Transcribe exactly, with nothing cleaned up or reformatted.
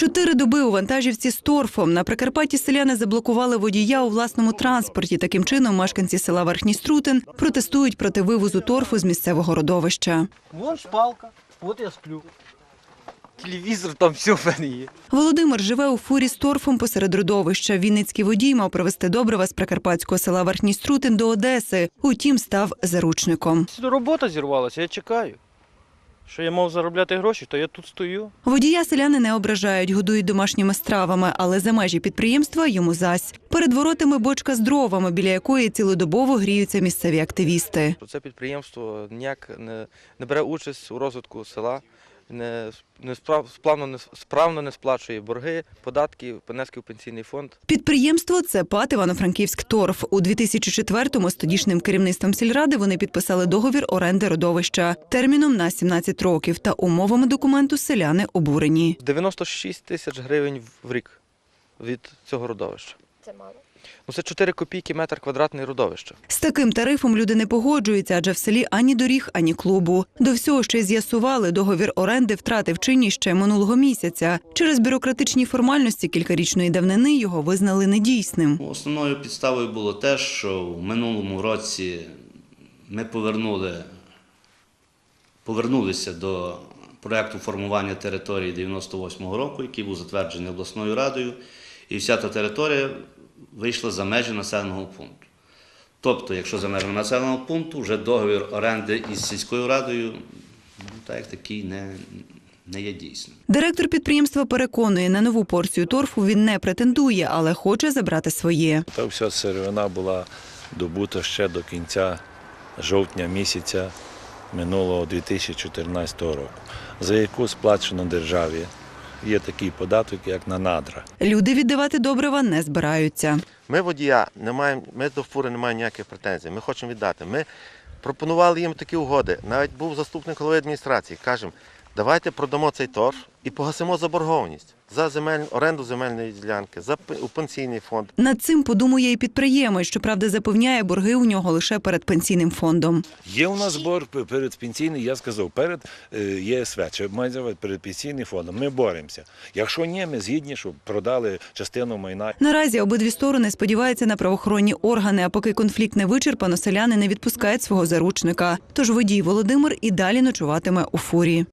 Чотири доби у вантажівці з торфом. На Прикарпатті селяни заблокували водія у власному транспорті. Таким чином мешканці села Верхній Струтин протестують проти вивозу торфу з місцевого родовища. Вон шпалка, от я сплю. Телевізор, там все в мене є. Володимир живе у фурі з торфом посеред родовища. Вінницький водій мав привезти добрива з прикарпатського села Верхній Струтин до Одеси. Утім, став заручником. Робота зірвалася, я чекаю. Що я мав заробляти гроші, то я тут стою. Водія селяни не ображають, годують домашніми стравами, але за межі підприємства йому зась. Перед воротами бочка з дровами, біля якої цілодобово гріються місцеві активісти. Це підприємство ніяк не, не бере участь у розвитку села, не, не справ, справно, не, справно не сплачує борги, податки, внески в пенсійний фонд. Підприємство – це ПАТ «Івано-Франківськ торф». У дві тисячі четвертому з тодішнім керівництвом сільради вони підписали договір оренди родовища терміном на сімнадцять років. Та умовами документу селяни обурені. дев'яносто шість тисяч гривень в рік від цього родовища. Це мало. Ну, це чотири копійки метр квадратний родовища. З таким тарифом люди не погоджуються, адже в селі ані доріг, ані клубу. До всього ще й з'ясували, договір оренди втратив чинність ще минулого місяця. Через бюрократичні формальності кількарічної давнини його визнали недійсним. Основною підставою було те, що в минулому році ми повернули, повернулися до проєкту формування території дев'яносто восьмого року, який був затверджений обласною радою, і вся та територія вийшла за межі населеного пункту. Тобто, якщо за межами населеного пункту, вже договір оренди із сільською радою, ну, так як такий, не, не є дійсним. Директор підприємства переконує, на нову порцію торфу він не претендує, але хоче забрати своє. Та вся сировина була добута ще до кінця жовтня місяця минулого дві тисячі чотирнадцятого року, за яку сплачено державі. Є такий податок, як на надра. Люди віддавати добрива не збираються. Ми водія не маємо, ми до фури не маємо ніяких претензій, ми хочемо віддати. Ми пропонували їм такі угоди. Навіть був заступник голови адміністрації, кажемо, давайте продамо цей торф і погасимо заборгованість за земель, оренду земельної ділянки, за у пенсійний фонд. Над цим подумує і підприємець, щоправда, запевняє, борги у нього лише перед пенсійним фондом. Є у нас борг перед пенсійним, я сказав, перед ЄСВ, чи майже перед пенсійним фондом. Ми боремося. Якщо ні, ми згідні, щоб продали частину майна. Наразі обидві сторони сподіваються на правоохоронні органи, а поки конфлікт не вичерпано, селяни не відпускають свого заручника. Тож водій Володимир і далі ночуватиме у фурі.